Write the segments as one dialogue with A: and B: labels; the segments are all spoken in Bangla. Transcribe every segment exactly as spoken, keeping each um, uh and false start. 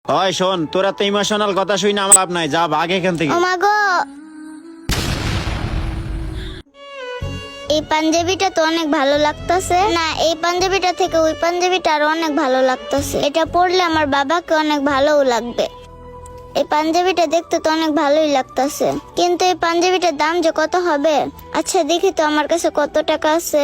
A: ওই শোন, তোরা তো ইমোশনাল কথা শুই না আমার লাভ নাই, যা ভাগ এখান থেকে।
B: ও মা গো, এই পাঞ্জাবিটা তো অনেক ভালো লাগতেছে না, এই পাঞ্জাবিটা থেকে ওই পাঞ্জাবিটা আরো অনেক ভালো লাগতেছে। এটা পরলে আমার বাবাকে অনেক ভালোও লাগবে। এই পাঞ্জাবিটা দেখতে তো অনেক ভালোই লাগতেছে, কিন্তু এই পাঞ্জাবিটার দাম যে কত হবে? আচ্ছা দেখি তো আমার কাছে কত টাকা আছে।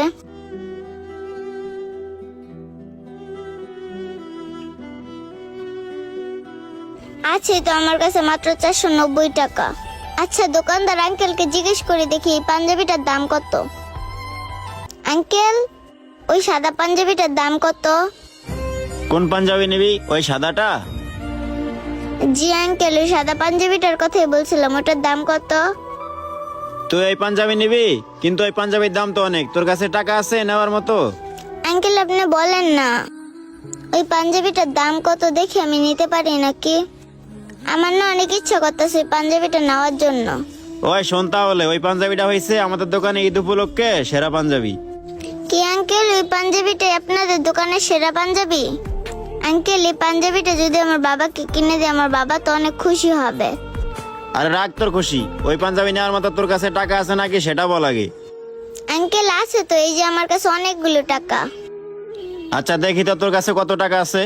B: আছে তো আমার কাছে মাত্র চারশো নব্বই টাকা। আচ্ছা দোকানদার আঙ্কেলকে জিজ্ঞেস করে দেখি এই পাঞ্জাবিটার দাম কত। আঙ্কেল, ওই সাদা পাঞ্জাবিটার দাম কত?
A: কোন পাঞ্জাবি নিবি? ওই সাদাটা?
B: জি আঙ্কেল, ওই সাদা পাঞ্জাবিটার কথাই বলছিলাম, ওটার দাম কত?
A: তুই এই পাঞ্জাবি নিবি, কিন্তু ওই পাঞ্জাবির দাম তো অনেক। তোর কাছে টাকা আছে নেওয়ার মতো?
B: আঙ্কেল আপনি বলেন না, ওই পাঞ্জাবিটার দাম কত দেখি আমি নিতে পারি নাকি? আমার না অনেক ইচ্ছা করতেছে ওই পাঞ্জাবিটা নেওয়ার জন্য।
A: ওই শোন, তাহলে ওই পাঞ্জাবিটা হয়েছে আমাদের দোকানে ঈদ উপলক্ষে সেরা পাঞ্জাবি।
B: কি আঙ্কেল, ওই পাঞ্জাবিটাই আপনাদের দোকানের সেরা পাঞ্জাবি? আঙ্কেল এই পাঞ্জাবিটা যদি আমার বাবাকে কিনে দেয়, আমার বাবা তো অনেক খুশি হবে।
A: আরে রাগ তোর খুশি, ওই পাঞ্জাবি নেওয়ার মতো তোর কাছে টাকা আছে নাকি সেটা বল আগে।
B: আঙ্কেল আছে তো, এই যে আমার কাছে অনেকগুলো টাকা।
A: আচ্ছা দেখি তো তোর কাছে কত টাকা আছে।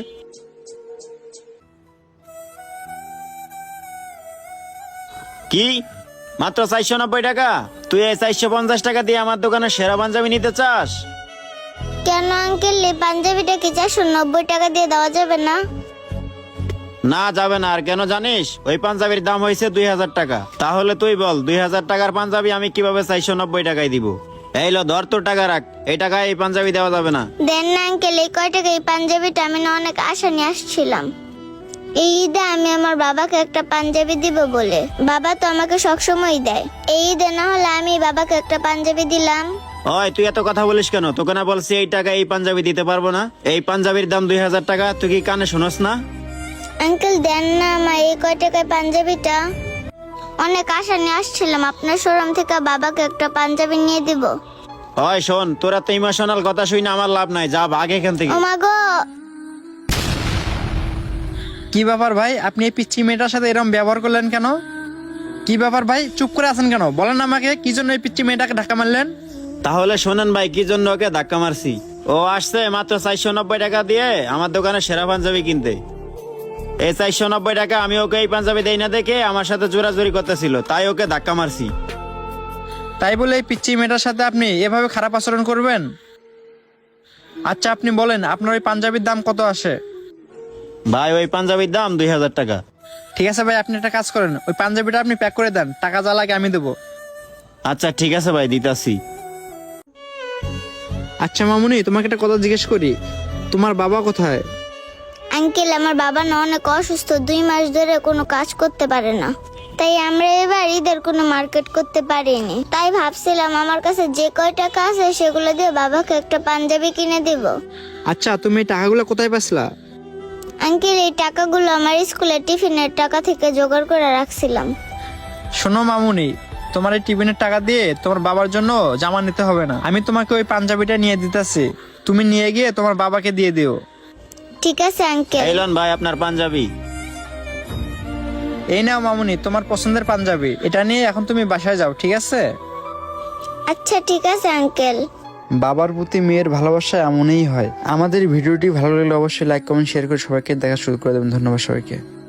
A: কি, মাত্র চারশো নব্বই টাকা? তুই এই চারশো পঞ্চাশ টাকা দিয়ে আমার দোকানে সেরা পাঞ্জাবি নিতে চাস?
B: কেন আঙ্কেল, এই পাঞ্জাবিটা কি চারশো নব্বই টাকা দিয়ে দেওয়া যাবে না?
A: না যাবে না। আর কেন জানিস? ওই পাঞ্জাবির দাম হয়েছে দুই হাজার টাকা। তাহলে তুই বল, দুই হাজার টাকার পাঞ্জাবি আমি কিভাবে চারশো নব্বই টাকায় দিব? এই লো ধর, তোর টাকা রাখ, এই টাকায় এই পাঞ্জাবি দেওয়া যাবে না।
B: দেন না আঙ্কেল, এই কয় টাকা এই পাঞ্জাবিটা আমি না অনেক আশা নিয়ে আসছিলাম। এই ঈদে আমি আমার বাবাকে একটা পাঞ্জাবি দিব বলে, বাবা তো আমাকে সবসময় দেয়। এই ঈদে না হলে আমি বাবাকে একটা পাঞ্জাবি দিলাম।
A: ওই তুই এত কথা বলিস কেন? তোকে না বলছি এই টাকা এই পাঞ্জাবি দিতে পারবো না? এই পাঞ্জাবির দাম দুই হাজার টাকা, তুই কি কানে শোনস না?
B: আঙ্কেল দেন না আমার এই কয় টাকায় পাঞ্জাবিটা, অনেক আশা নিয়ে আসছিলাম আপনার শোরুম থেকে বাবাকে একটা পাঞ্জাবি নিয়ে দিব।
A: ওই শোন, তোরা তো ইমোশনাল কথা শুই না আমার লাভ নাই, যা ভাগ এখান থেকে।
B: ও মা গো,
C: কি ব্যাপার ভাই, আপনি এই পিচ্ছি মেয়েটার সাথে এরকম ব্যবহার করলেন কেন? কি ব্যাপার ভাই, চুপ করে আছেন কেন? বলেন আমাকে, কি জন্য এই পিচ্ছি মেয়েটাকে ধাক্কা মারলেন?
A: তাহলে শোনেন ভাই, কি জন্য ওকে ধাক্কা মারছি। ও আসছে মাত্র চারশো নব্বই টাকা দিয়ে আমার দোকানে সেরা পাঞ্জাবি কিনতে। এই চারশো নব্বই টাকা আমি ওকে এই পাঞ্জাবি দেই না দেখে আমার সাথে জোরাজোরি করতেছিল, তাই ওকে ধাক্কা মারছি।
C: তাই বলে এই পিচ্ছি মেয়েটার সাথে আপনি এভাবে খারাপ আচরণ করবেন? আচ্ছা আপনি বলেন, আপনার ওই পাঞ্জাবির দাম কত আসে?
A: ভাই ওই পাঞ্জাবির দাম দুই হাজার টাকা।
C: ঠিক আছে ভাই, আপনি একটা কাজ করেন, ওই পাঞ্জাবিটা আপনি প্যাক করে দেন, টাকা যা লাগে আমি দেবো।
A: আচ্ছা ঠিক আছে ভাই, দিতাছি।
C: আচ্ছা মামুনি, তোমাকে একটা কথা জিজ্ঞেস করি, তোমার বাবা কোথায়?
B: আঙ্কেল আমার বাবা না অনেক অসুস্থ, দুই মাস ধরে কোনো কাজ করতে পারে না, তাই আমরা এবার ঈদের কোনো মার্কেট করতে পারিনি। তাই ভাবছিলাম আমার কাছে যে কয় টাকা আছে সেগুলো দিয়ে বাবাকে একটা পাঞ্জাবি কিনে দিব।
C: আচ্ছা তুমি এই টাকাগুলো কোথায় পাইছিলা?
B: আঙ্কেল এই টাকাগুলো আমার স্কুলের টিফিনের টাকা থেকে জোগাড় করে রাখছিলাম।
C: শোনো মামুনি, তোমার এই টিফিনের টাকা দিয়ে তোমার বাবার জন্য জামা নিতে হবে না, আমি তোমাকে ওই পাঞ্জাবিটা নিয়ে দিতেছি, তুমি নিয়ে গিয়ে তোমার বাবাকে দিয়ে দিও।
B: ঠিক আছে আঙ্কেল।
A: এই লন ভাই আপনার পাঞ্জাবি।
C: এই নাও মামুনি, তোমার পছন্দের পাঞ্জাবি, এটা নিয়ে এখন তুমি বাসায় যাও, ঠিক আছে?
B: আচ্ছা ঠিক আছে আঙ্কেল।
C: বাবার প্রতি মেয়ের ভালোবাসা এমনই হয়। আমাদের ভিডিওটি ভালো লাগলে অবশ্যই লাইক কমেন্ট শেয়ার করে সবাইকে দেখা শুরু করে দেবেন। ধন্যবাদ সবাইকে।